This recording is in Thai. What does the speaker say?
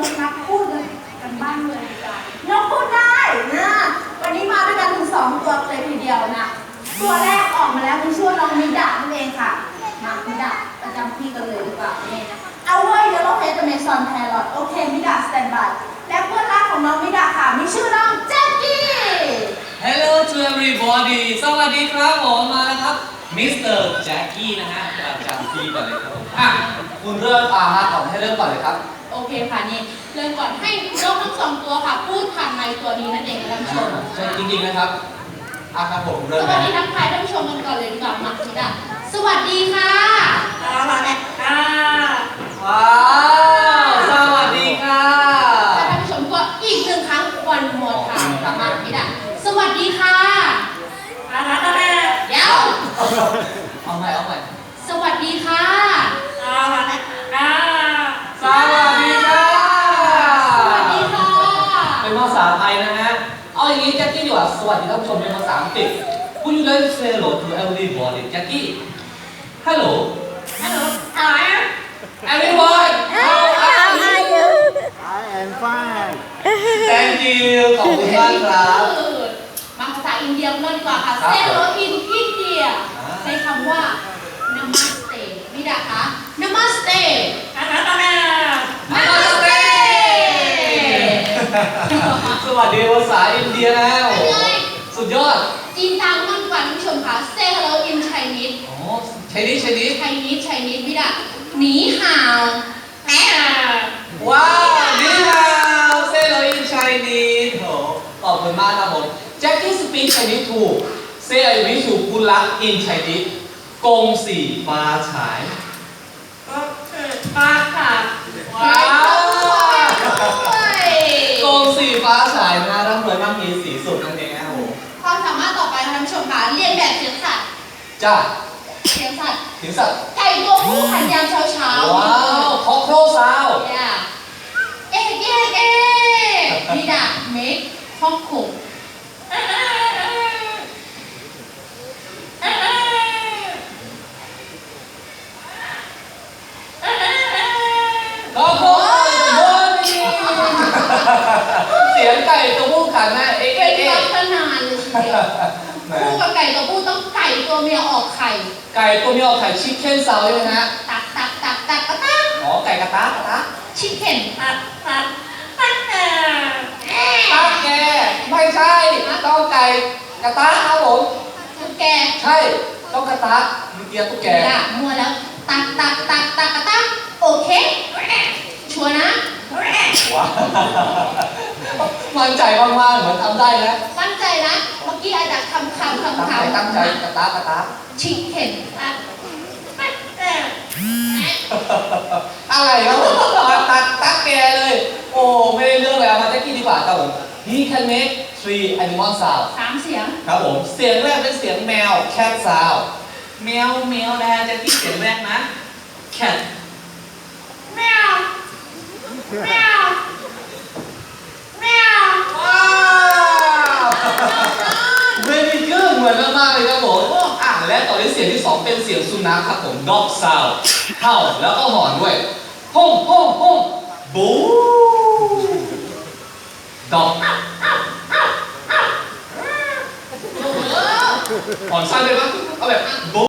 นักพูดกันบ้างเลยจ้ะน้องพูดได้นะวันนี้มาด้วยกันถึง2 ตัวเลยทีเดียวนะตัวแรกออกมาแล้วคือชื่อน้องมิดะนั่นเองค่ะมามิดะประจำที่กันเลยดีกว่าเนี่ยเอาเว้ยเดี๋ยวเราเพจเมซอนแพรลอตโอเคมิดะสแตนบายและเพื่อนรักของน้องมิดะค่ะมีชื่อน้องแจ็คกี้ Hello to everybody สวัสดีครับผมมาแล้วครับมิสเตอร์แจ็คกี้นะฮะประจำที่ก่อนเลยครับผมคุณเริ่มมาก่อนให้เริ่มก่อนเลยครับโอเคค่ะนี่เริ่มก่อนให้น้องทั้ง2 ตัวค่ะพูดผ่านไมค์ตัวนี้นั่นเองท่านผู้ชมใช่จริงๆนะครับครับผมเริ่มสวัสดีทักทายท่านผู้ชมกันก่อนเลยดีกว่ามามิดะสวัสดีค่ะสวัสดีค่ะว้าวสวัสดีค่ะและท่านผู้ชมก็อีก1 ครั้งวันหมดค่ะมามิดะสวัสดีค่ะเดี๋ยวเอาใหม่สวัสดีค่ะสวัสดีค่ะสวัสดีค่ะเป็นภาษาไทยนะฮะเอาอย่างนี้แจ็คกี้ดีกว่าสวัสดีท่านผู้ชมเป็นภาษาอังกฤษ Would you like to say hello to everybody Jackie Hello Everyone How are you I am fine Thank you ขอบคุณมากครับมาภาษาอินเดียกันดีกว่าค่ะ Say hello in India ใช้คำว่า Namaste มิดะคะ Namaste Namaste สวัสดีภาษาอินเดียแล้วสุดยอดจีนตามมั่นกว่าท่านผู้ชมค่ะ Say hello in Chinese Chinese มิดะหนีห่าวว้าวนี่ฮาว Say hello in Chinese โหขอบคุณมากครับผม Jackie speak Chinese too Say I wish you good luck in Chinese กงสีฟ้าฉายก็คือฟ้าค่ะว้าวกงสีฟ้าฉายนะร่ำรวยมั่งมีสีสุดนั่นเองครับผมความสามารถต่อไปท่านผู้ชมค่ะเรียนแบบเสียงสัตว์จ้าเสียงสัตว์ไก่ตัวผู้ขันยามเช้าว้าวคอโครซาวเอ๊มิดะเมคฮอกคุเสียงไก่ตัวผู้ขันนะเป็นลักษณะเลยทีเดียวคู่กับไก่ตัวผู้ต้องไก่ตัวเมียออกไข่ไก่ตัวเมียออกไข่ชิคเก้นซาวใช่ไหมฮะตักอ๋อไก่กระตากชิคเก้นตักแกไม่ใช่ต้องไก่กระตากครับผมตุ๊กแกใช่ต้องกระตากมีเกียร์ตุ๊กแกมัวแล้วตักโอเคชัวร์นะว้าวมั่นใจมากๆเหมือนทำได้นะมั่นใจนะเมื่อกี้อาจจะคำตั้งใจกระตากชิคเก้นอะไรครับผมมาตักแกเลยโอ้ไม่ได้เรื่องเลยเอามาแจ็คกี้ดีกว่าครับผม He can make 3 animal sound 3 เสียงครับผมเสียงแรกเป็นเสียงแมว cat sound แมวนะฮะแจ็คกี้เสียงแรกนะ cat แมวว้าว very good เหมือนมากๆเลยครับผมและต่อด้วยเสียงที่ 2เป็นเสียงสุนัขครับผม dog sound เห่าแล้วก็หอนด้วยฮ่องบูดอกหอนสั้นเลยปะเอาแบบบู